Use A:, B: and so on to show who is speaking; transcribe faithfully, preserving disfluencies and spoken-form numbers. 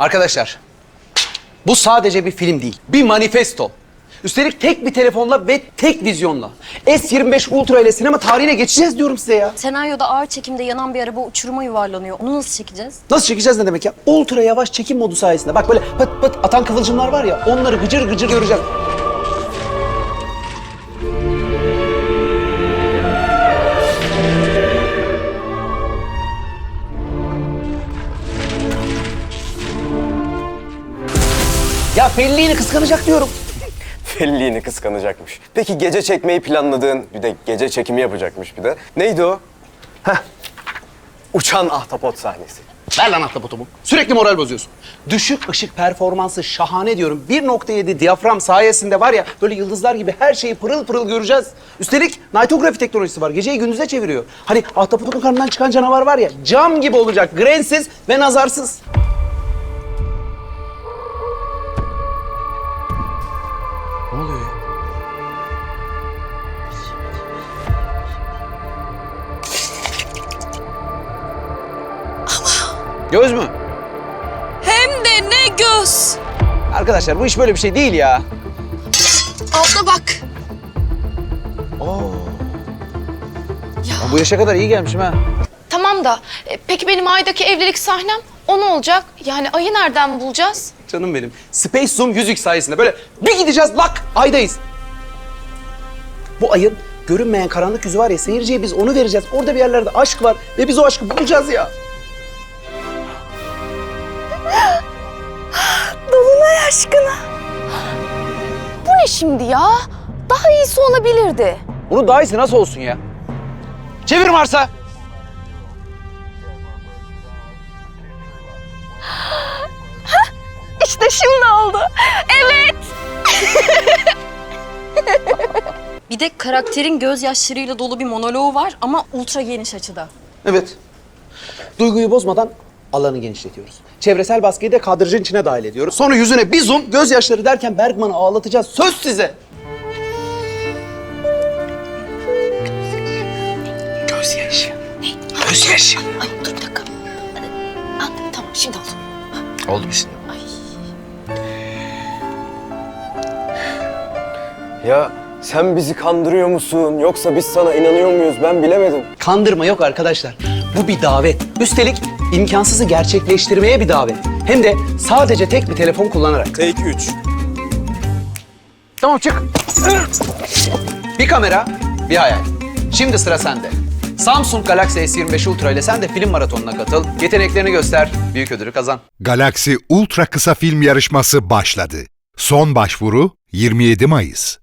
A: Arkadaşlar, bu sadece bir film değil, bir manifesto. Üstelik tek bir telefonla ve tek vizyonla. S yirmi beş Ultra ile sinema tarihine geçeceğiz diyorum size ya.
B: Senaryoda ağır çekimde yanan bir araba uçuruma yuvarlanıyor. Onu nasıl çekeceğiz?
A: Nasıl çekeceğiz ne demek ya? Ultra yavaş çekim modu sayesinde. Bak böyle pıt pıt atan kıvılcımlar var ya, onları gıcır gıcır göreceğiz. Ya Fellini kıskanacak diyorum.
C: Fellini kıskanacakmış. Peki gece çekmeyi planladığın, bir de gece çekimi yapacakmış bir de. Neydi o? Heh. Uçan ahtapot sahnesi.
A: Ver lan ahtapotumu. Sürekli moral bozuyorsun. Düşük ışık performansı şahane diyorum. bir nokta yedi diyafram sayesinde var ya böyle yıldızlar gibi her şeyi pırıl pırıl göreceğiz. Üstelik nightography teknolojisi var. Geceyi gündüze çeviriyor. Hani ahtapotun karnından çıkan canavar var ya cam gibi olacak. Grensiz ve nazarsız. Ne oluyor ya? Göz mü?
D: Hem de ne göz.
A: Arkadaşlar bu iş böyle bir şey değil ya.
D: Abla bak.
A: Ya bu yaşa kadar iyi gelmişim ha.
D: Tamam da e, peki benim Ay'daki evlilik sahnem o ne olacak? Yani Ay'ı nereden bulacağız?
A: Canım benim. Space Zoom yüz x sayesinde böyle bir gideceğiz lak aydayız. Bu ayın görünmeyen karanlık yüzü var ya seyirciye biz onu vereceğiz. Orada bir yerlerde aşk var ve biz o aşkı bulacağız ya.
D: Dolunay aşkına. Bu ne şimdi ya? Daha iyisi olabilirdi.
A: Bunun daha iyisi nasıl olsun ya? Çevir Mars'a.
D: İşte şimdi oldu. Evet.
B: Bir de karakterin gözyaşlarıyla dolu bir monoloğu var ama ultra geniş açıda.
A: Evet. Duyguyu bozmadan alanı genişletiyoruz. Çevresel baskıyı da kadrajın içine dahil ediyoruz. Sonra yüzüne bir zoom, gözyaşları derken Bergman'ı ağlatacağız. Söz size. Gözyaşı. Ne? Gözyaşı.
D: Ay dur bir dakika. Aa, tamam şimdi oldu.
A: Oldu mu şimdi?
C: Ya sen bizi kandırıyor musun? Yoksa biz sana inanıyor muyuz? Ben bilemedim.
A: Kandırma yok arkadaşlar. Bu bir davet. Üstelik imkansızı gerçekleştirmeye bir davet. Hem de sadece tek bir telefon kullanarak.
C: Take üç.
A: Tamam çık. Bir kamera, bir hayal. Şimdi sıra sende. Samsung Galaxy S yirmi beş Ultra ile sen de film maratonuna katıl. Yeteneklerini göster, büyük ödülü kazan.
E: Galaxy Ultra Kısa Film Yarışması başladı. Son başvuru yirmi yedi Mayıs.